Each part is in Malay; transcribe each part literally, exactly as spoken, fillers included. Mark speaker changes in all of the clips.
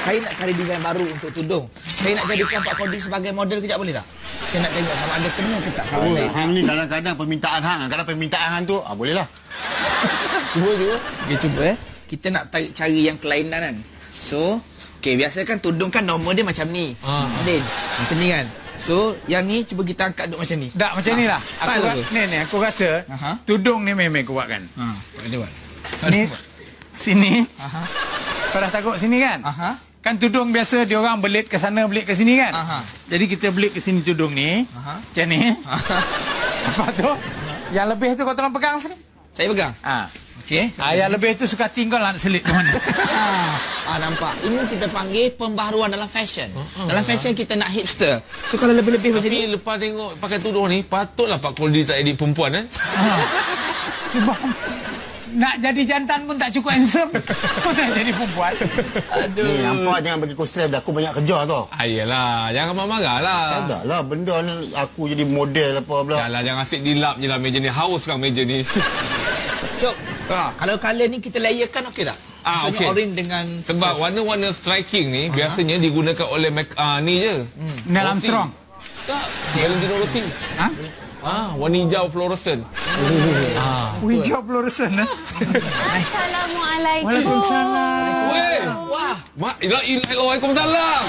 Speaker 1: Saya nak cari design baru untuk tudung. Saya nak jadikan Pak Kodi sebagai model kejap boleh tak? Saya nak tengok sama ada kena ke tak.
Speaker 2: Oh, hang ni kadang-kadang permintaan hang. Kadang permintaan hang tu, ah bolehlah.
Speaker 1: Cuba cuba. Okey cuba eh. Kita nak tarik cari yang kelainan kan. So, okey biasa kan tudung kan normal dia macam ni. Ha. Din, macam ni kan. So, yang ni cuba kita angkat duk macam ni.
Speaker 3: Tak macam ni lah.
Speaker 1: Ha.
Speaker 3: Aku ra- ni ni aku rasa
Speaker 1: Aha.
Speaker 3: tudung ni memang kuat kan.
Speaker 1: Ha, boleh buat.
Speaker 3: Ni sini.
Speaker 1: Aha.
Speaker 3: Kau dah takut sini kan?
Speaker 1: Aha.
Speaker 3: Kan tudung biasa dia orang belit ke sana belit ke sini kan?
Speaker 1: Aha.
Speaker 3: Jadi kita belit ke sini tudung ni.
Speaker 1: Aha.
Speaker 3: Macam ni. Apa tu? Yang lebih tu kau tolong pegang sini.
Speaker 1: Saya pegang.
Speaker 3: Ha.
Speaker 1: Okey.
Speaker 3: Ah, yang lebih tu suka tinggal lah nak selit ke mana.
Speaker 1: Ah, nampak. Ini kita panggil pembaharuan dalam fashion. Uh-uh. Dalam fashion kita nak hipster. So kalau lebih-lebih macam ni,
Speaker 4: Tapi lepas tengok pakai tudung ni, patutlah Pak Kodi tak edit perempuan kan?
Speaker 3: Cuba nak jadi jantan pun tak cukup handsome. Kau nak jadi perempuan.
Speaker 1: aduh.
Speaker 2: Ni nampak jangan bagi kau stres dah. Aku banyak kerja tau.
Speaker 4: Ayolah, jangan marah-marah lah.
Speaker 2: Tak lah benda ni aku jadi model apa pula.
Speaker 4: Janganlah, jangan asyik dilap je lah meja ni. Haus kan meja ni.
Speaker 1: Cok. Ha. Kalau colour ni kita layerkan okey tak?
Speaker 4: Ah,
Speaker 1: Maksudnya
Speaker 4: okey.
Speaker 1: orange dengan
Speaker 4: Sebab warna-warna striking ni, uh-huh, biasanya digunakan oleh make, uh, ni je.
Speaker 3: Hmm. Neil
Speaker 4: Rossi.
Speaker 3: Armstrong.
Speaker 4: Tak, Valentino Rossi.
Speaker 3: Ha?
Speaker 4: Ah, warna hijau fluorescent.
Speaker 1: ah.
Speaker 3: Hijau fluorescent eh.
Speaker 5: Assalamualaikum.
Speaker 3: Waalaikumsalam.
Speaker 4: Weh,
Speaker 1: Wah.
Speaker 4: mak, ilah, ilah, Waalaikumsalam.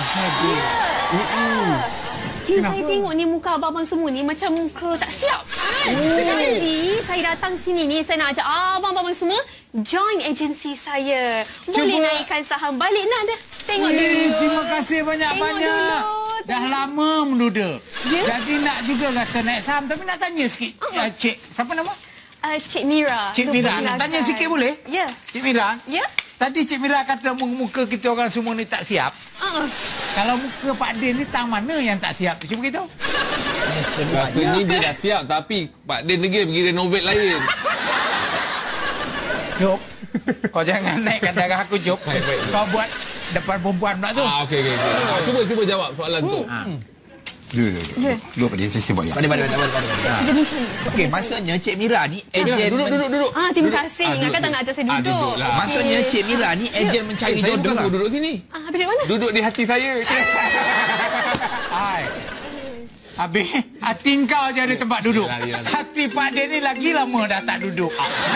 Speaker 5: Eh, saya tengok ni muka abang-abang semua ni macam muka tak siap. Jadi saya datang sini ni, saya nak ajak abang-abang semua join agensi saya. Boleh
Speaker 3: Cuba.
Speaker 5: naikkan saham balik nak dah. Tengok
Speaker 3: Weh,
Speaker 5: dulu.
Speaker 3: terima kasih banyak-banyak.
Speaker 5: Tengok dulu.
Speaker 3: Dah lama menduda.
Speaker 5: Ya?
Speaker 3: Jadi nak juga rasa naik saham. Tapi nak tanya sikit.
Speaker 5: Ah.
Speaker 3: Uh, Cik, siapa nama?
Speaker 5: Uh, Cik Mira.
Speaker 3: Cik Mira. Nak
Speaker 5: Persilakan.
Speaker 3: tanya sikit boleh?
Speaker 5: Ya.
Speaker 3: Cik Mira.
Speaker 5: Ya.
Speaker 3: Tadi Cik Mira kata muka kita orang semua ni tak siap.
Speaker 5: Uh-uh.
Speaker 3: Kalau muka Pak Din ni tang mana yang tak siap? Cuba beritahu.
Speaker 4: Rasanya dia dah siap, tapi Pak Din lagi pergi renovate lain.
Speaker 3: Jom. Kau jangan naikkan darah aku, Jom.
Speaker 4: Baik, baik.
Speaker 3: Kau buat depan perempuan pula tu.
Speaker 4: Ah, okey, okey. Okay. Ah, cuba, cuba jawab soalan tu.
Speaker 3: Ha.
Speaker 2: Dulu, dulu.
Speaker 5: Ya.
Speaker 2: Dulu Pak Din, saya sibuk ya.
Speaker 1: Pada pada pada pada.
Speaker 5: Kita bincang.
Speaker 1: Okey, maksudnya Cik Mira ni
Speaker 4: Mira,
Speaker 1: ejen
Speaker 4: duduk,
Speaker 1: men-
Speaker 4: duduk, duduk.
Speaker 5: Ah, terima
Speaker 4: Duduk.
Speaker 5: kasih.
Speaker 4: Ah,
Speaker 5: Ingatkan
Speaker 4: duduk,
Speaker 5: tak nak ajak saya
Speaker 4: duduk.
Speaker 5: duduk.
Speaker 4: Ah, duduklah.
Speaker 1: Maksudnya
Speaker 5: Okey.
Speaker 1: Cik Mira ni ejen mencari
Speaker 4: Eh, saya
Speaker 1: jodoh
Speaker 4: bukan
Speaker 1: lah.
Speaker 4: suruh duduk sini.
Speaker 5: Ah, habis dari mana?
Speaker 4: Duduk di hati saya.
Speaker 3: Hai. Habis hati kau je ada tempat duduk.
Speaker 4: Yalah, yalah.
Speaker 3: Hati Pak Din ni lagi lama dah tak duduk.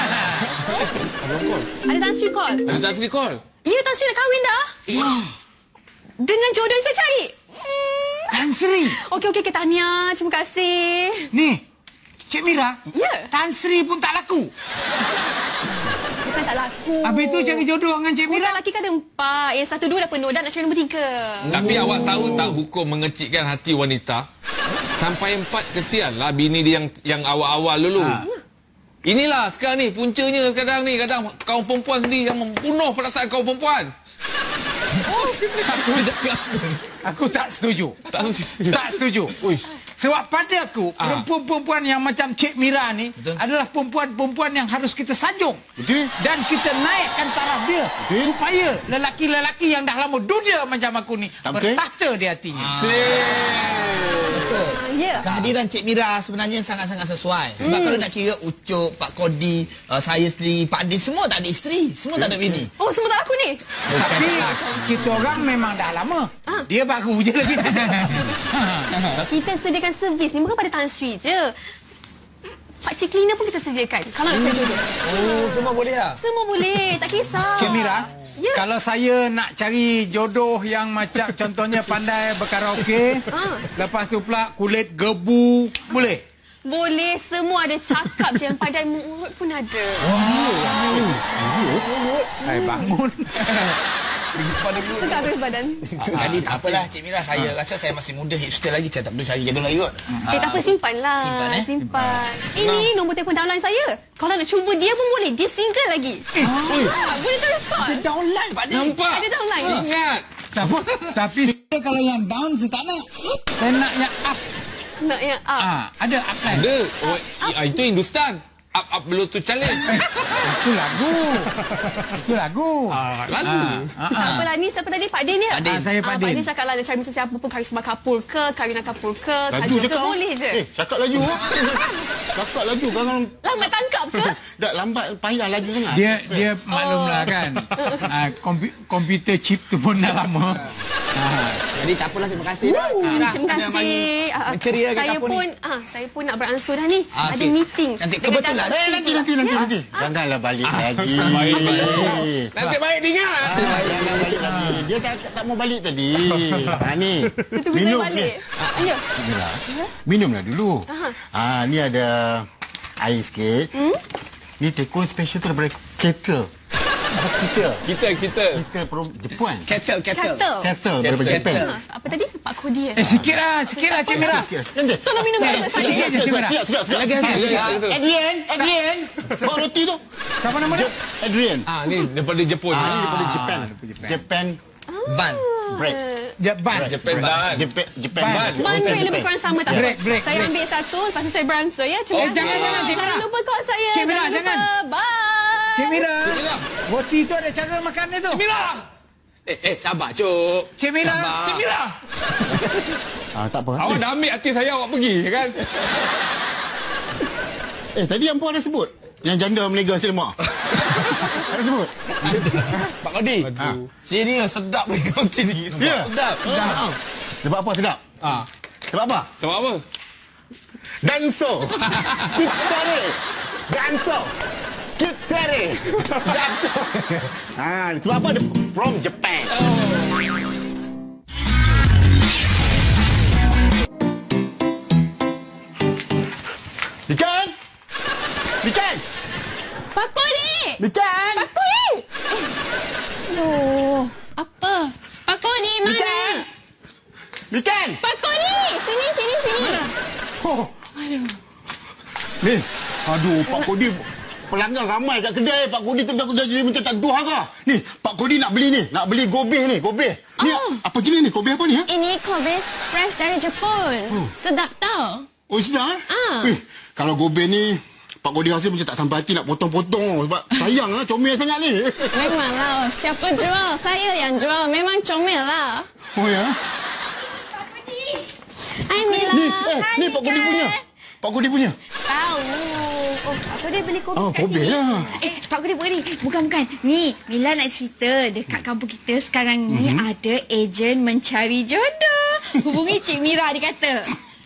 Speaker 5: Ada Tan Sri call.
Speaker 4: Ada tak sini call?
Speaker 5: Ya, Tan Sri dah kahwin dah. Dengan jodoh yang saya cari. Hmm.
Speaker 3: Tan Sri.
Speaker 5: Okey, okey, okay, tahniah. Terima kasih.
Speaker 3: Ni. Cik Mira.
Speaker 5: Ya.
Speaker 3: Tan Sri pun tak laku.
Speaker 5: Bukan tak laku.
Speaker 3: Habis tu cari jodoh dengan Cik Mira.
Speaker 5: Hutang lelaki kan ada empat. Yang satu dua dah penuh. Dan nak cari nombor tiga.
Speaker 4: Tapi awak tahu tak hukum mengecikkan hati wanita? Sampai empat kesian lah bini dia yang yang awal-awal dulu.
Speaker 3: Ha.
Speaker 4: Inilah sekarang ni puncanya sekarang ni kadang kaum perempuan sendiri yang membunuh perasaan kaum perempuan.
Speaker 3: Aku, aku tak setuju.
Speaker 4: Tak setuju.
Speaker 3: Tak setuju.
Speaker 4: Ui.
Speaker 3: Sebab pada aku,
Speaker 4: Ah.
Speaker 3: perempuan-perempuan yang macam Cik Mira ni
Speaker 1: Betul.
Speaker 3: adalah perempuan-perempuan yang harus kita sanjung.
Speaker 2: Betul?
Speaker 3: Dan kita naikkan taraf dia.
Speaker 2: Betul.
Speaker 3: Supaya lelaki-lelaki yang dah lama duda macam aku ni
Speaker 2: Tak betul?
Speaker 3: bertahta di hatinya.
Speaker 1: Betul.
Speaker 5: Ya.
Speaker 1: Kehadiran Cik Mira sebenarnya sangat-sangat sesuai. Sebab kalau nak kira Ucup, Pak Kodi, uh, saya sendiri, Pak Din, semua tak ada isteri. Semua tak ada bini.
Speaker 5: Oh, semua tak laku ni.
Speaker 3: Tapi kita orang memang dah lama.
Speaker 5: Ah.
Speaker 3: Dia baru je lagi.
Speaker 5: Kita sediakan servis ni bukan pada Tan Sri je. Pak Cik Cleaner pun kita sediakan. Kalau nak cari jodoh.
Speaker 1: Oh, semua boleh lah.
Speaker 5: Semua boleh. Tak kisah.
Speaker 3: Cik Mira,
Speaker 5: Ya.
Speaker 3: kalau saya nak cari jodoh yang macam contohnya pandai berkaraoke,
Speaker 5: Ah.
Speaker 3: lepas tu pula kulit gebu, boleh?
Speaker 5: Boleh. Semua ada. Cakap je. Yang pandai mulut pun ada.
Speaker 3: Hai, bangun.
Speaker 5: Segar habis badan.
Speaker 1: Jadi tak apalah Cik Mira, saya rasa saya masih muda, hipster lagi. Saya tak perlu cari jodoh lagi kot.
Speaker 5: Eh, tak apa, simpan lah.
Speaker 1: Simpan, eh?
Speaker 5: Simpan. Ini nombor telefon downline saya. Kalau nak cuba dia pun boleh. Dia single lagi. Ah, boleh terus call.
Speaker 1: Ada downline Pak Din.
Speaker 4: Nampak?
Speaker 5: Ada downline.
Speaker 4: Ingat.
Speaker 3: Tapi, tapi saya kalau yang down saya tak nak. Saya nak yang up.
Speaker 5: Nak yang up.
Speaker 3: Ah, ada up kan?
Speaker 4: Ada. Oh, ah, itu Hindustan. Up Up Bluetooth Challenge.
Speaker 3: Itu lagu. Itu lagu.
Speaker 4: Ah, lagu.
Speaker 3: Ah, ah,
Speaker 5: Siapa lah ni? Siapa tadi? Pak Din ni?
Speaker 1: Pak Din.
Speaker 3: Ah, saya Pak
Speaker 5: Ah,
Speaker 3: Din.
Speaker 5: Pak Din cakap lah macam macam siapa pun, Karisma Kapoor ke, Karina Kapoor ke,
Speaker 2: Laju
Speaker 5: Kajol ke,
Speaker 2: cakap.
Speaker 5: boleh je.
Speaker 2: Eh, cakap laju. Cakap laju. Kan
Speaker 5: Lambat tangkap ke?
Speaker 2: tak lambat, payah laju sangat.
Speaker 3: Dia dia maklumlah kan. Ah, kompu- komputer chip tu pun dah lama. Ah.
Speaker 1: Jadi tak apalah, terima kasih dah. Cik Mira.
Speaker 5: Terima
Speaker 1: Anda
Speaker 5: kasih.
Speaker 1: bagi
Speaker 5: Ah, ah,
Speaker 1: menceriakan
Speaker 5: saya
Speaker 1: kampung
Speaker 5: pun
Speaker 1: ni.
Speaker 5: ah, saya pun nak beransur dah ni.
Speaker 1: Ah,
Speaker 5: Ada
Speaker 1: okey.
Speaker 5: meeting.
Speaker 1: Nanti
Speaker 5: dengan
Speaker 1: kebetulan.
Speaker 5: Datuk
Speaker 2: Eh, nanti,
Speaker 5: pula.
Speaker 2: nanti, nanti,
Speaker 5: Ya?
Speaker 2: nanti. Janganlah balik lagi.
Speaker 4: Baik, baik. Nanti baik dengar.
Speaker 2: Jangan balik lagi. Dia tak, tak mau balik tadi. Ha, ni.
Speaker 5: Dia tunggu saya
Speaker 2: Minum
Speaker 5: balik.
Speaker 2: ni.
Speaker 5: Ya.
Speaker 2: Mira, minumlah dulu. Ha, ni ada air sikit.
Speaker 5: Hmm?
Speaker 2: Ni tekun special tu daripada kettle. Apa kita?
Speaker 4: Kita, kita.
Speaker 2: Kita from Jepun.
Speaker 1: Kettle, kettle.
Speaker 5: Kata.
Speaker 2: Kettle daripada
Speaker 4: Kettle.
Speaker 2: Jepun.
Speaker 5: Ah, apa tadi? Pak Kodi eh?
Speaker 3: Eh sikit lah, sikit lah Cik Mira.
Speaker 2: Sikit, sikit. Nanti.
Speaker 5: Tolong minum dulu saya.
Speaker 3: Sikit je Cik Mira.
Speaker 2: Sekejap, sekejap, sekejap.
Speaker 1: Lagi, lagi, lagi.
Speaker 4: lagi.
Speaker 2: Adrian, Adrian. Bawa roti tu.
Speaker 3: Siapa nama dia?
Speaker 2: Adrian.
Speaker 4: Ah, ni daripada Jepun.
Speaker 2: Ah, ni daripada Jepun. Japan
Speaker 1: Ban.
Speaker 2: bread.
Speaker 3: Japan.
Speaker 4: Jepun ban.
Speaker 2: Japan, Japan.
Speaker 3: Ban.
Speaker 5: Mana yang lebih kurang sama tak?
Speaker 3: Break, break,
Speaker 5: Saya
Speaker 3: break.
Speaker 5: ambil satu, lepas tu saya beransur ya. Terima
Speaker 3: Oh,
Speaker 5: kasih.
Speaker 3: jangan, jangan, Cik Mira.
Speaker 5: Jangan lupa call saya.
Speaker 3: Cik Mira,
Speaker 5: lupa.
Speaker 3: jangan.
Speaker 5: Bye.
Speaker 3: Cik Mira.
Speaker 4: Mira.
Speaker 3: Roti tu ada cara makan dia tu.
Speaker 4: Mira.
Speaker 1: Eh, eh, sabar, Cuk.
Speaker 3: Cik Mira.
Speaker 1: Sabar.
Speaker 4: Cik Mira.
Speaker 2: Ah, tak apa.
Speaker 4: Awak dah ambil hati saya, awak pergi kan?
Speaker 2: Eh, tadi yang puan ada sebut. Yang janda menega nasi lemak. Ada sebut.
Speaker 1: Pak Kodi. Ha. Sini sedap ni roti ni.
Speaker 2: Ya.
Speaker 1: Sedap. Ha.
Speaker 2: Sebab apa sedap?
Speaker 4: Ah.
Speaker 2: Sebab apa?
Speaker 4: Sebab apa?
Speaker 2: Danso. Kita ni. Danso. Kita ni. Danso. Ah, sebab apa? Dia from Japan. Ikan? Ikan?
Speaker 5: Pak Kodi.
Speaker 2: Ikan?
Speaker 5: Pak Kodi. Oh, apa? Pak Kodi mana?
Speaker 2: Ikan? Ikan?
Speaker 5: Pak Kodi. Sini, sini, sini.
Speaker 2: Oh. Ni, aduh, Pak Kodi pelanggan ramai kat kedai. Pak Kodi tu dah, dah jadi macam tak tuah ke? Ni, Pak Kodi nak beli ni. Nak beli gobe ni, gobe. Ni,
Speaker 5: Oh.
Speaker 2: apa jenis ni? Gobe apa ni? Ha?
Speaker 5: Ini Kobe fresh dari Jepun.
Speaker 2: Hmm.
Speaker 5: Sedap tau.
Speaker 2: Oh, sudah? Eh?
Speaker 5: Ah.
Speaker 2: Eh, kalau gobe ni, Pak Kodi rasa macam tak sampai hati nak potong-potong. Sebab sayang lah, comel sangat ni.
Speaker 5: Memanglah, siapa jual? Saya yang jual. Memang comel lah.
Speaker 2: Oh, ya?
Speaker 5: Hai Mila.
Speaker 2: Ni, eh, ni Pak Kodi punya. Pak Kodi punya.
Speaker 5: Tahu. Oh, Pak Kodi beli kopi
Speaker 2: Oh,
Speaker 5: kat
Speaker 2: kopi
Speaker 5: sini.
Speaker 2: lah.
Speaker 6: Eh, Pak Kodi, Pak Kodi. Bukan, bukan. Ni, Mila nak cerita. Dekat kampung kita sekarang ni
Speaker 2: Mhm.
Speaker 6: ada ejen mencari jodoh. Hubungi Cik Mira, dia kata.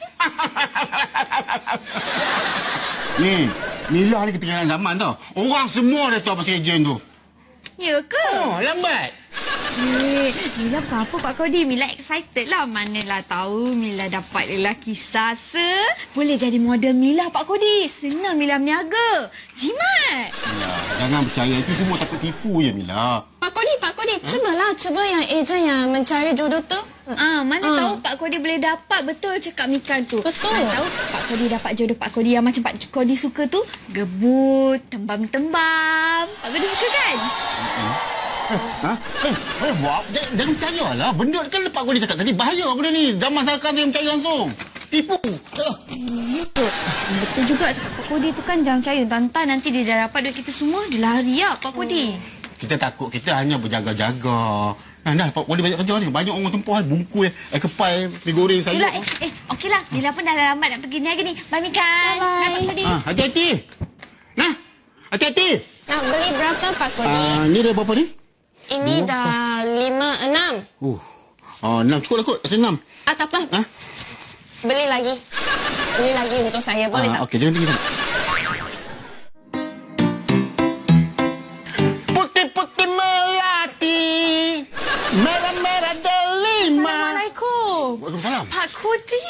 Speaker 2: Ni, Mila ni ketinggalan zaman tau. Orang semua dah tahu pasal ejen tu.
Speaker 6: Ya ke?
Speaker 2: Oh, lambat.
Speaker 6: Eh, Mila bukan apa Pak Kodi. Mila excited lah. Manalah tahu Mila dapat lelaki sasa. Boleh jadi model Mila Pak Kodi. Senang Mila berniaga. Jimat.
Speaker 2: Mila, jangan percaya. Itu semua takut tipu je, Mila.
Speaker 5: Pak Kodi, Pak Kodi. Cubalah, cuba yang ejen yang mencari jodoh tu.
Speaker 6: Ah, mana
Speaker 5: Ah.
Speaker 6: tahu Pak Kodi boleh dapat. Betul cakap Mikan tu.
Speaker 5: Betul.
Speaker 6: Mana tahu Pak Kodi dapat jodoh Pak Kodi yang macam Pak Kodi suka tu. Gebut, tembam-tembam. Pak Kodi suka kan?
Speaker 2: Ha? Eh, eh buat, jangan, jangan percayalah. Benda kan Pak Kodi cakap tadi. Bahaya benda ni. Zaman sekarang dia percaya langsung. Tipu. Ah.
Speaker 6: Ya ke? Betul juga cakap Pak Kodi tu kan. Jangan percaya. Tantan nanti dia dah dapat duit kita semua. Dia lari lah Pak Kodi.
Speaker 2: Kita takut. Kita hanya berjaga-jaga. Nah, nah, Pak Kodi banyak kerja ni. Banyak orang tempoh bungkus, eh, kepai, mi goreng sayur.
Speaker 6: Itulah, eh, eh okeylah. Mila pun dah lambat nak pergi niaga ni. Bye, Mikan.
Speaker 5: Bye-bye.
Speaker 6: Bye, Pak Kodi.
Speaker 2: Ah, hati-hati. Nah, hati-hati.
Speaker 5: Nak beli berapa Pak Kodi?
Speaker 2: Ah, ni dah berapa ni?
Speaker 5: Ini dah lima, enam.
Speaker 2: Uh, ah, enam cukup lah kot. Rasa enam.
Speaker 5: Ah, tak apa.
Speaker 2: Ha?
Speaker 5: Beli lagi. Beli lagi untuk saya. Boleh
Speaker 2: Ah,
Speaker 5: tak?
Speaker 2: okey, jangan tinggi sangat. Putih-putih melati, merah-merah delima.
Speaker 5: Assalamualaikum.
Speaker 2: Waalaikumsalam.
Speaker 5: Pak Kodi.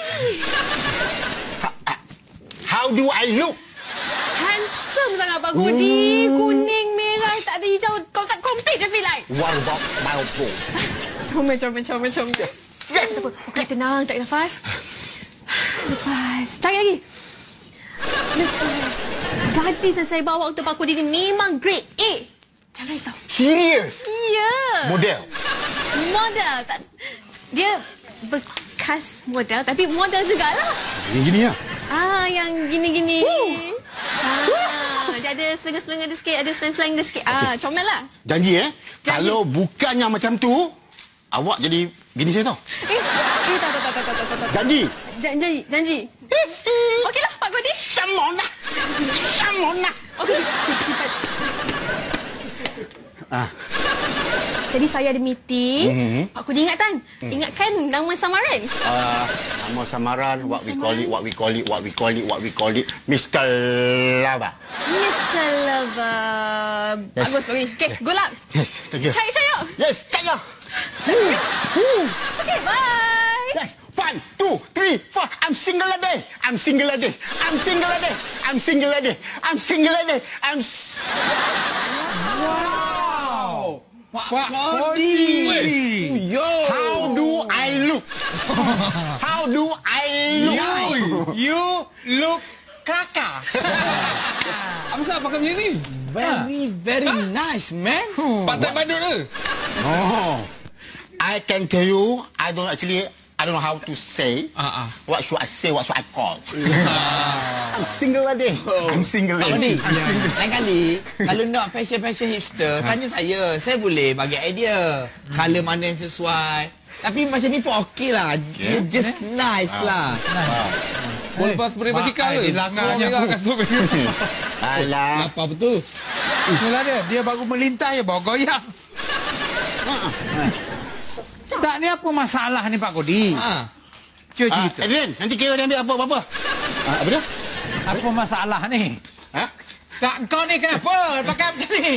Speaker 2: How do I look?
Speaker 5: Handsome sangat Pak Kodi. Kuning, merah, tak ada hijau. Kau tak complete je feel like.
Speaker 2: What about my boy?
Speaker 5: Comel, comel, comel, comel. Yes. Tak apa. Okey, tenang. Tarik nafas. Lepas. Tarik lagi. Lepas. Gadis yang saya bawa untuk Pak Kodi ni memang grade A. Jangan risau.
Speaker 2: Serius?
Speaker 5: Ya.
Speaker 2: Model?
Speaker 5: Model. Tak, dia bekas model tapi model jugalah.
Speaker 2: Gini-gini ya?
Speaker 5: Ah, yang gini-gini. Ah. dia ada selenga-selenga dia sikit, ada slang-slang dia sikit. Ah, comel lah.
Speaker 2: Janji eh.
Speaker 5: Janji.
Speaker 2: Kalau bukannya macam tu, awak jadi bini saya tau.
Speaker 5: Eh, eh tak, tak, tak, tak, tak, tak, tak.
Speaker 2: Janji.
Speaker 5: Janji, janji. Okeylah, Pak Kodi.
Speaker 2: Come on lah. Come on lah.
Speaker 5: Okey.
Speaker 2: Ah.
Speaker 5: Jadi saya ada meeting.
Speaker 2: Mhm.
Speaker 5: Pak Kodi ingat kan? Ingatkan nama samaran?
Speaker 2: Uh, nama samaran, what we call it, what we call it, what we call it, what we call it, Mister Lava.
Speaker 5: Mister Lover.
Speaker 2: Yes.
Speaker 5: Bagus, bagus. Okey, good luck.
Speaker 2: Yes, thank you.
Speaker 5: Cari, cari.
Speaker 2: Yes, caya.
Speaker 5: Okey, bye.
Speaker 2: Yes, one, two, three, four. I'm single lady. I'm single lady. I'm single lady. I'm single lady. I'm single lady. I'm.
Speaker 3: Wow.
Speaker 1: Pak Kodi.
Speaker 2: Yo. How do I look? How do I look?
Speaker 3: You look kakak.
Speaker 4: Apa sebab pakai macam ni?
Speaker 1: Very, very nice, man.
Speaker 4: Patah badut ke?
Speaker 2: Oh, I can tell you, I don't actually, I don't know how to say.
Speaker 4: Ah, ah.
Speaker 2: What should I say? What should I call? I'm single lady. I'm single
Speaker 1: Pak
Speaker 2: lady.
Speaker 1: Kodi, lain kali kalau nak fashion-fashion hipster, tanya saya. Saya boleh bagi idea. Colour mana yang sesuai. Tapi macam ni pun okey lah.
Speaker 2: Yeah.
Speaker 1: Just nice lah.
Speaker 4: Boleh lepas spray basikal ke?
Speaker 3: Mak, dia langgarnya
Speaker 4: Semua
Speaker 3: aku.
Speaker 4: kasut merah.
Speaker 2: Alah.
Speaker 1: Apa betul?
Speaker 3: Itulah dia. Dia baru melintas je bawa goyang. Tak, ni apa masalah ni Pak Kodi?
Speaker 1: Ha.
Speaker 3: Cuba
Speaker 2: Ah,
Speaker 3: cerita.
Speaker 2: Adrian, nanti kira dia ambil apa-apa. Ah, apa dia?
Speaker 3: Apa masalah ni?
Speaker 2: Ha?
Speaker 3: Tak, kau ni kenapa pakai macam ni?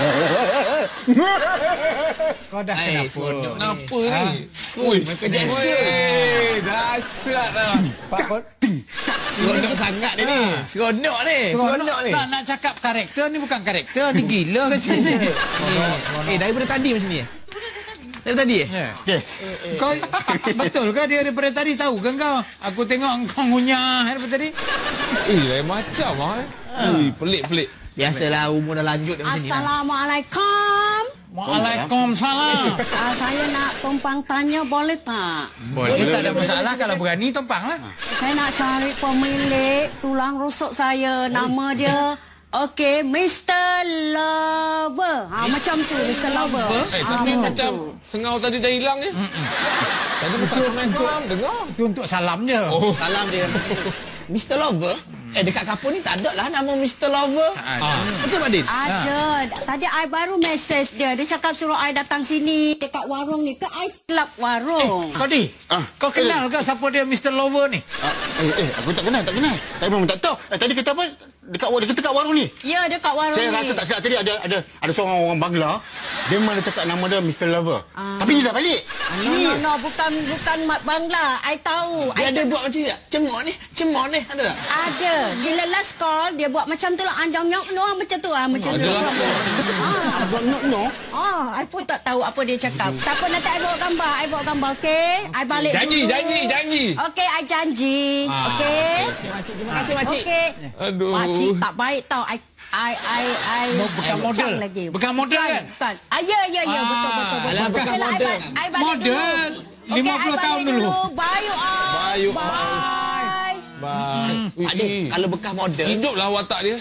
Speaker 3: Kau dah
Speaker 1: Hai,
Speaker 3: kenapa?
Speaker 1: seronok ni.
Speaker 4: Kenapa
Speaker 3: Ha?
Speaker 4: ni? Ui,
Speaker 1: Michael Jackson.
Speaker 4: Weh, dahsyat lah.
Speaker 3: Pak Kodi.
Speaker 1: Seronok sangat dia ni. Seronok ni. Seronok ni.
Speaker 3: Tak nak cakap karakter ni bukan karakter. Ni gila macam ni.
Speaker 1: Eh, daripada tadi macam ni. Daripada tadi eh?
Speaker 3: Ya.
Speaker 2: Okey.
Speaker 3: Kau betul ke dia daripada tadi tahu kan kau? Aku tengok kau ngunyah daripada tadi.
Speaker 4: Eh, lain macam lah eh. Ui, pelik-pelik.
Speaker 1: Biasalah umur dah lanjut dah macam ni lah.
Speaker 7: Assalamualaikum.
Speaker 3: Waalaikumsalam.
Speaker 7: Ah, saya nak tumpang tanya boleh tak?
Speaker 3: Boleh, tak ada masalah kalau berani tumpang lah.
Speaker 7: Saya nak cari pemilik tulang rusuk saya. Nama dia okey, Mister Lover. Ha, macam tu, Mister Lover.
Speaker 4: Eh,
Speaker 7: Ah,
Speaker 4: tapi
Speaker 7: macam
Speaker 4: macam
Speaker 7: tu.
Speaker 4: sengau tadi dah hilang je. Tadi bukan Assalamualaikum, dengar.
Speaker 3: Itu untuk salam je.
Speaker 4: Oh,
Speaker 1: Salam dia. Mister Lover? Eh, dekat kapur ni tak ada lah nama Mister Lover.
Speaker 4: ah.
Speaker 1: Betul, Pak Din?
Speaker 7: Ada. Tadi I baru mesej dia. Dia cakap suruh I datang sini dekat warung ni. Ke Ice Club warung.
Speaker 3: Kau di,
Speaker 2: Ah,
Speaker 3: kau kenal ke siapa dia Mister Lover ni?
Speaker 2: Ah, eh, eh, aku tak kenal, tak kenal. Tapi memang tak tahu. Eh, tadi kata apa? Dekat dekat, dekat warung ni.
Speaker 7: Ya, dekat warung
Speaker 2: Saya
Speaker 7: ni.
Speaker 2: rasa tak silap tadi ada ada ada seorang orang Bangla. Dia malah cakap nama dia Mister Lover.
Speaker 7: Ah.
Speaker 2: Tapi dia dah balik.
Speaker 7: No, no, no. Bukan bukan mat Bangla. I tahu.
Speaker 1: Dia
Speaker 7: I
Speaker 1: ada buat macam ni tak? Cemok ni? Cemok ni? Ada tak?
Speaker 7: Ada. Bila last call, dia buat macam tu lah. Anjang nyok no macam tu ah, macam tu.
Speaker 4: Ada lah.
Speaker 7: Ah,
Speaker 2: Abang no no.
Speaker 7: ah, I pun tak tahu apa dia cakap. Tak apa, nanti I bawa gambar. I bawa gambar, okey? I balik
Speaker 4: Janji,
Speaker 7: dulu.
Speaker 4: janji, janji.
Speaker 7: Okey, I janji. Okey?
Speaker 1: Makcik, terima kasih, Makcik.
Speaker 7: Okey.
Speaker 4: Aduh.
Speaker 7: Makcik tak baik tau. I I I I
Speaker 3: Bukan
Speaker 7: I
Speaker 3: model.
Speaker 7: cakap lagi.
Speaker 3: Bukan model kan?
Speaker 7: Bukan. Ah, ya ya ya,
Speaker 3: Ah,
Speaker 7: betul betul betul.
Speaker 1: alah, bukan
Speaker 7: Okey lah, I
Speaker 1: model.
Speaker 7: ba- I balik
Speaker 3: Model.
Speaker 7: dulu. Okey,
Speaker 3: lima
Speaker 7: I
Speaker 3: puluh
Speaker 7: balik
Speaker 3: tahun dulu.
Speaker 7: Bye you all.
Speaker 4: Bye, you all.
Speaker 7: Bye.
Speaker 4: Bye. Ui,
Speaker 1: Pak Din,
Speaker 4: ui.
Speaker 1: kalau bekas model,
Speaker 4: Hiduplah watak dia.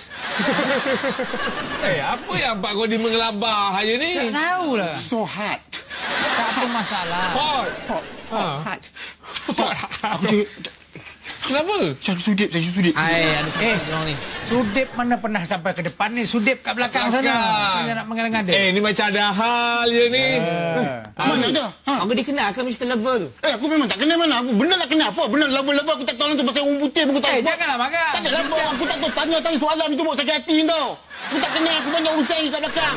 Speaker 4: Eh, apa yang Pak Kodi mengelabah hari ni?
Speaker 3: Tak tahu lah.
Speaker 2: So hard.
Speaker 3: Tak apa masalah.
Speaker 4: Hot. Ha.
Speaker 2: Aku dia,
Speaker 4: Kenapa?
Speaker 2: saya sudip, saya sudip.
Speaker 1: ai ada satu orang ni.
Speaker 3: Sudip mana pernah sampai ke depan ni? Sudip kat belakang sana.
Speaker 4: Belakang.
Speaker 3: Dia nak mengada-ngada.
Speaker 4: Eh, ni macam ada hal je ni.
Speaker 2: Mana ada? Ha?
Speaker 1: Aku dikenal ke Mister Lover tu?
Speaker 2: Eh, aku memang tak kenal mana. Aku benar lah kenal apa? Benar laba-laba aku tak tahu langsung pasal orang putih pun aku tak.
Speaker 3: Eh, janganlah marah.
Speaker 2: Tak ada laba. Aku tak tahu tanya-tanya soalan itu buat sakit hati tau. Aku tak kenal, aku banyak urusan ni kat belakang.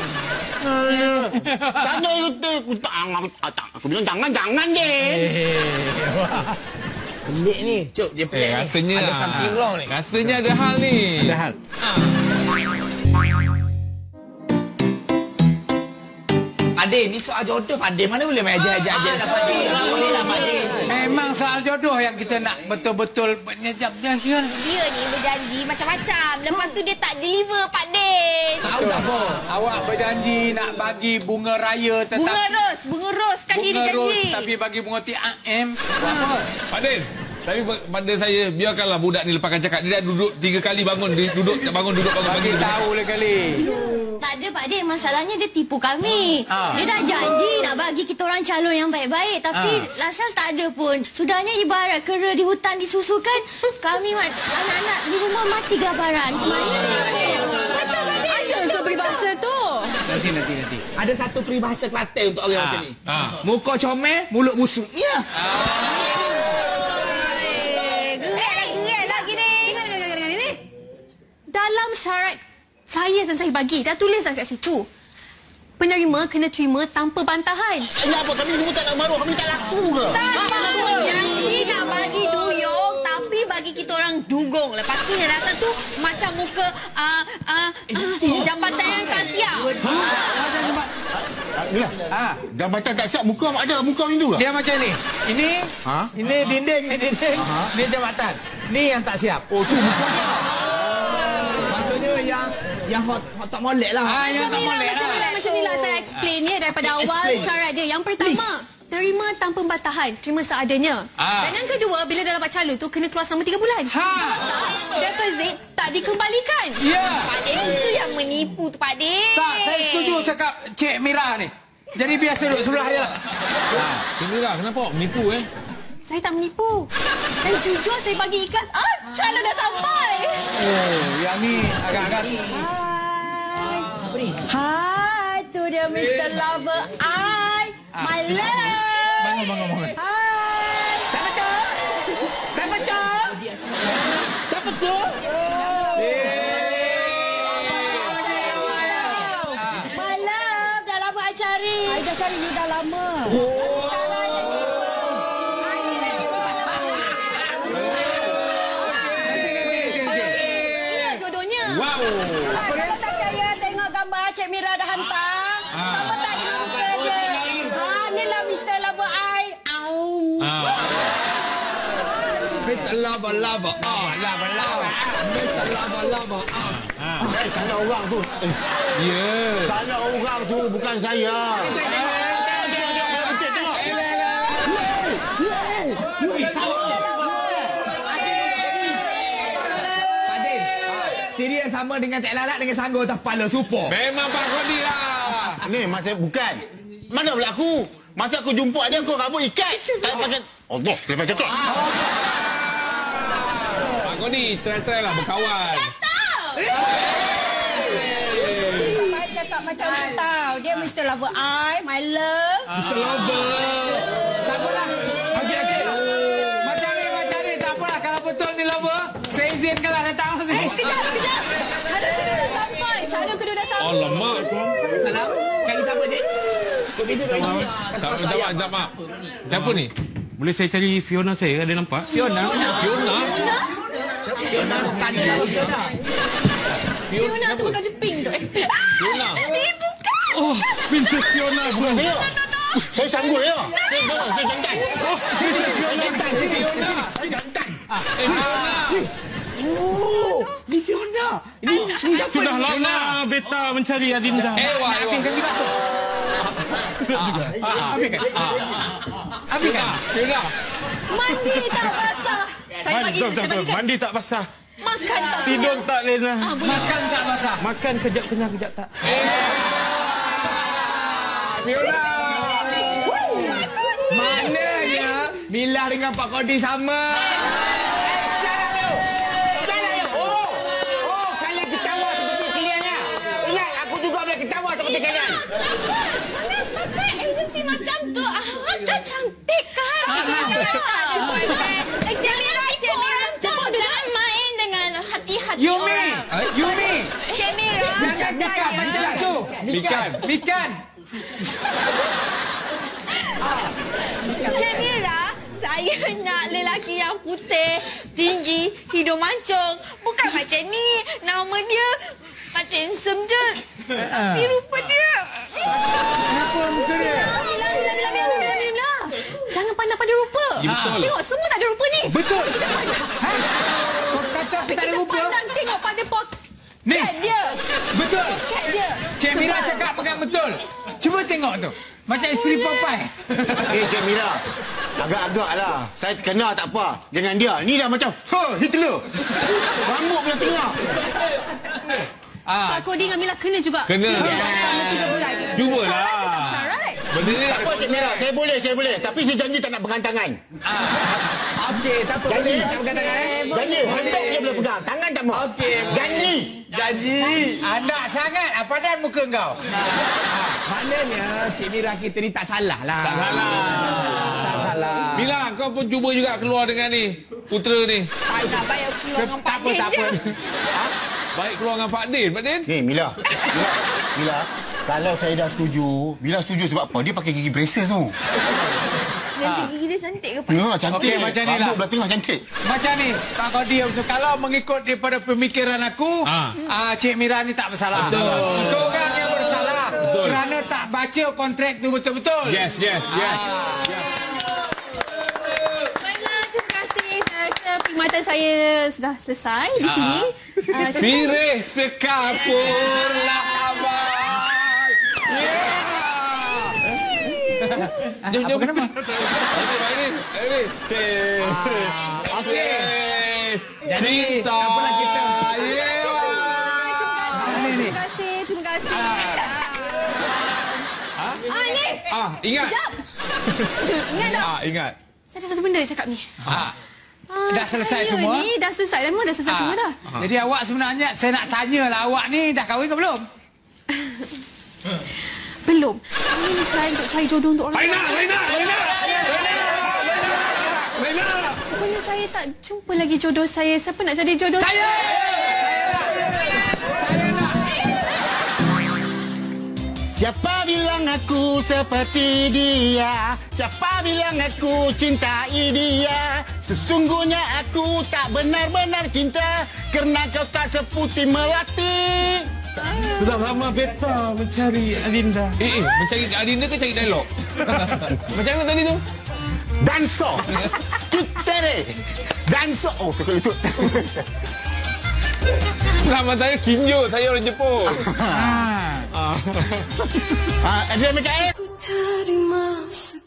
Speaker 2: Tanya itu, aku tak, aku, tak, aku bilang jangan, jangan deh.
Speaker 1: Pelik ni. Cuk, dia pelik
Speaker 4: Eh,
Speaker 1: ni.
Speaker 4: rasanya
Speaker 1: Ada something wrong ni.
Speaker 4: Rasanya ada hal ni.
Speaker 3: Ada hal.
Speaker 1: Pak Din, ni soal jodoh Pak Din. Mana boleh main ajar-ajar je. Pak Din, boleh lah Pak Din.
Speaker 3: Memang soal jodoh yang kita nak betul-betul menyejap-jejap.
Speaker 6: Dia ni berjanji macam-macam. Lepas tu dia tak deliver, Pak Din.
Speaker 1: Tahu tak apa?
Speaker 3: Awak berjanji nak bagi bunga raya tetapi
Speaker 6: Bunga ros, bunga ros kan dia
Speaker 3: bunga ros
Speaker 6: janji.
Speaker 3: tapi bagi bunga T A M.
Speaker 4: Pak Din, Tapi pada saya, biarkanlah budak ni lepaskan cakap. Dia dah duduk tiga kali bangun, dia duduk, tak bangun, duduk, bangun.
Speaker 3: Bagi tahu lah kali.
Speaker 6: Tak ada Pak Din, masalahnya dia tipu kami. Ha. Dia dah janji nak bagi kita orang calon yang baik-baik, tapi ha. Lasas tak ada pun. Sudahnya ibarat kera di hutan disusukan, kami anak-anak di rumah mati kelaparan. Mana ni?
Speaker 5: Ada ke peribahasa tu?
Speaker 1: Nanti, nanti, nanti. Ada satu peribahasa Kelantan untuk orang ha. macam ni.
Speaker 4: Ha.
Speaker 1: Muka comel, mulut busuk. Ya. Ha.
Speaker 5: Dalam syarat flyers yang saya bagi, dah tulis dah kat situ. Penerima kena terima tanpa bantahan.
Speaker 2: Ini apa? Kami semua tak nak baru. Kami tak laku ke?
Speaker 6: Tak apa. Janji nak bagi duyung, tapi bagi kita orang dugong. Lepas tu yang datang tu macam muka uh, uh, uh, jambatan yang tak siap.
Speaker 2: Mila, ha. Jambatan tak siap, muka ada muka macam tu ke?
Speaker 3: Dia macam ni. Ini,
Speaker 2: ha?
Speaker 3: ini dinding, ni dinding, ha? Ni jambatan. Ni yang tak siap.
Speaker 2: Oh, tu muka dia.
Speaker 1: yang yang hot, hot tak molek lah.
Speaker 5: Ah, macam ni lah, macam ni lah, macam ni lah. Saya explain ya daripada awal syarat dia. Yang pertama, terima tanpa bantahan, terima seadanya. Ah. Dan yang kedua, bila dah dapat calon tu kena keluar selama tiga bulan. Ha. Kalau tak, deposit tak dikembalikan.
Speaker 3: Ya.
Speaker 6: Pak Din tu yang menipu tu, Pak Din.
Speaker 3: Tak, saya setuju cakap Cik Mira ni. Jadi biasa duduk sebelah dia.
Speaker 4: Ha. Cik Mira, kenapa awak menipu eh?
Speaker 5: Saya tak menipu. Saya jujur, saya bagi ikhlas. Ah, calon dah sampai.
Speaker 3: Oh, yang ni agak-agak.
Speaker 7: Hai. Hai, tu dia Mister Lover I. My love.
Speaker 3: Bangun, bangun, bangun.
Speaker 7: Hai.
Speaker 3: Siapa tu? Siapa tu? Siapa tu?
Speaker 7: My love, dah lama I cari. I dah cari you dah lama.
Speaker 3: Oh.
Speaker 7: Kalau tak percaya, tengok gambar Cik Mira dah hantar. Ah. Sama tak dengan muka dia. Ha, inilah Mister Lover I. Au.
Speaker 3: Ah. Mister Lover Lover. Oh, Lover Lover. Mister Lover Lover. Ah.
Speaker 2: Saya salah orang tu.
Speaker 4: Ya. Yeah.
Speaker 2: Salah orang tu, bukan saya.
Speaker 1: Siri yang sama dengan tak lalat dengan sanggur atas kepala super.
Speaker 4: Memang Pak Kodi lah.
Speaker 2: Ni masa bukan. Mana pula aku? Masa aku jumpa dia kau rambut ikat. Tak pakai. Allah, lepas cakap.
Speaker 4: Pak Kodi, try-try lah berkawan.
Speaker 7: Baik cakap macam tu tau. Dia Mister Lover I, my love.
Speaker 3: Mister Lover. Tak apalah. Okey, okey. Macam ni, macam ni. Tak apalah. Kalau betul ni Lover, saya izinkanlah datang.
Speaker 5: Eh, sekejap, sekejap. Calon kedua dah sampai. Calon kedua dah sampai.
Speaker 4: Alamak.
Speaker 1: Salam. Cari siapa, Dik? Kau pintu dah isi.
Speaker 4: Tak, tak, tak, mak. Siapa ni?
Speaker 8: Boleh saya cari Fiona saya? Ada nampak?
Speaker 3: Fiona.
Speaker 4: Fiona?
Speaker 1: Fiona, tanya lah Fiona.
Speaker 5: Fiona tu bukan jeping tu. Eh,
Speaker 4: Fiona.
Speaker 5: ni bukan.
Speaker 8: Oh, Princess Fiona.
Speaker 2: Bukan saya. Saya sanggup ya. Saya jangan, saya jantan.
Speaker 8: Oh, sini Fiona.
Speaker 2: Jantan, sini. Saya jantan.
Speaker 4: Eh, Fiona.
Speaker 1: Oh, ni Fiona. Ini ni siapa?
Speaker 8: Sudah lama beta mencari Adinda.
Speaker 4: Ewa, Ewa.
Speaker 1: Habiskan juga tu. Habiskan. Habiskan.
Speaker 4: Fiona.
Speaker 5: Mandi tak basah. Saya bagi,
Speaker 8: Jom, jom,
Speaker 5: saya
Speaker 8: jom.
Speaker 5: bagikan.
Speaker 8: Mandi tak basah.
Speaker 5: Makan tak
Speaker 8: Tidur
Speaker 5: kenyang.
Speaker 8: tak lena.
Speaker 5: Ah, boleh.
Speaker 3: Makan tak basah.
Speaker 8: Makan kejap kenyang, kejap tak.
Speaker 1: Fiona. Mananya Mila dengan Pak Kodi sama.
Speaker 5: Pakai agensi macam tu. Ah, tak cantik kan? Cepat, cepat. Jangan tipu orang tu. Jangan main dengan hati-hati
Speaker 3: Yumi.
Speaker 5: orang.
Speaker 3: Yumi.
Speaker 6: Cik Mira.
Speaker 3: Jangan cakap macam tu.
Speaker 4: Mikan.
Speaker 3: Mikan.
Speaker 6: Cik Mira, saya nak lelaki yang putih, tinggi, hidung mancung. Bukan macam ni. Nama dia macam handsome je. Tapi rupa dia.
Speaker 3: Kenapa muka dia?
Speaker 5: Mila, Mila, Mila, Mila, Mila, Mila. Jangan pandang pada rupa.
Speaker 4: Ya, betul.
Speaker 5: Tengok, semua tak ada rupa ni.
Speaker 3: Betul. Ha? Kau kata aku tak ada
Speaker 5: Kita
Speaker 3: rupa?
Speaker 5: pandang, tengok pada poket
Speaker 3: Ni.
Speaker 5: dia.
Speaker 3: Betul.
Speaker 5: Poket dia.
Speaker 3: Cik Mira cakap pegang betul. Cuba tengok tu? Macam isteri Popeye.
Speaker 2: Eh, Cik Mira. Agak-agak lah. Saya terkenal tak apa. Dengan dia. Ni dah macam, ha, Hitler. Rambut belah tengah.
Speaker 5: Pak Kodi dengan Mila kena juga.
Speaker 4: Kena.
Speaker 5: Selama tiga bulan.
Speaker 4: Cubalah.
Speaker 5: Syarat tetap syarat.
Speaker 4: Benda ni
Speaker 2: Tak apa, Cik Mira. Saya boleh, saya boleh. Tapi saya janji tak nak pegang tangan.
Speaker 1: Okey, tak apa.
Speaker 2: Janji.
Speaker 1: Tak pegang tangan eh.
Speaker 2: Janji. Handuk je boleh pegang. Tangan tak mau.
Speaker 1: Okey.
Speaker 2: Janji.
Speaker 1: Janji.
Speaker 3: Anak sangat. Apa dah muka kau?
Speaker 1: Maknanya Cik Mira kita ni tak salah lah.
Speaker 4: tak salah.
Speaker 1: Tak salah.
Speaker 4: Mila, kau pun cuba juga keluar dengan ni. Putera ni.
Speaker 6: Tak nak bayar keluar dengan Pak
Speaker 3: Tak apa,
Speaker 6: Din
Speaker 3: tak apa.
Speaker 6: je.
Speaker 4: Baik keluar dengan Pak Din. Pak Din.
Speaker 2: Ni, Mila. Mila. Mila. Kalau saya dah setuju, Mila setuju sebab apa? Dia pakai gigi braces tu.
Speaker 6: Nanti gigi dia cantik ke Pak?
Speaker 2: Ya, cantik.
Speaker 3: Okey, macam ni lah.
Speaker 2: Rambut belah tengah cantik.
Speaker 3: Macam ni, Pak Kodi. Kalau mengikut daripada pemikiran aku,
Speaker 4: Ah.
Speaker 3: ah, Cik Mira ni tak bersalah.
Speaker 4: Betul.
Speaker 3: Kau orang yang bersalah.
Speaker 4: Betul.
Speaker 3: Kerana tak baca kontrak tu betul-betul.
Speaker 4: Yes, yes, yes.
Speaker 5: Baiklah, terima kasih. Saya rasa perkhidmatan saya sudah selesai di sini. Ah,
Speaker 4: Sirih sekapurlah abang. Yeah. Jom, jom.
Speaker 3: Kenapa?
Speaker 4: Okey, Pak Din. Ini. Okey.
Speaker 3: Jadi,
Speaker 4: Cinta.
Speaker 3: tak apalah kita.
Speaker 4: Yeah.
Speaker 5: Terima kasih, terima kasih. Ah, ah ni.
Speaker 4: Ah, ingat.
Speaker 5: Sekejap. Ingat tak?
Speaker 4: Ah, ingat.
Speaker 5: Saya ada satu benda nak cakap ni.
Speaker 3: Ah.
Speaker 5: Ah,
Speaker 3: Dah selesai
Speaker 5: saya
Speaker 3: semua?
Speaker 5: Ni dah selesai dah, memang dah selesai
Speaker 3: Ah.
Speaker 5: semua dah.
Speaker 3: Jadi awak sebenarnya, saya nak tanyalah awak ni dah kahwin ke belum?
Speaker 5: Belum. Saya ni try untuk cari jodoh untuk orang
Speaker 4: Laina,
Speaker 5: lain.
Speaker 4: Laina, Laina. Laina.
Speaker 5: Rupanya saya tak jumpa lagi jodoh saya. Siapa nak jadi jodoh
Speaker 3: Saya!
Speaker 2: Siapa bilang aku seperti dia? Siapa bilang aku cintai dia? Sesungguhnya aku tak benar-benar cinta kerana kau tak seputih melati.
Speaker 8: Sudah lama beta mencari Adinda.
Speaker 4: Eh, eh, mencari Kak Adinda ke cari dialog? Macam mana tadi tu?
Speaker 2: Danso. Cutere. Danso. Oh, saya kena lucut.
Speaker 4: Nama saya Kinjo, saya orang Jepun.
Speaker 2: Ah, Adrian Mikael.
Speaker 9: Terima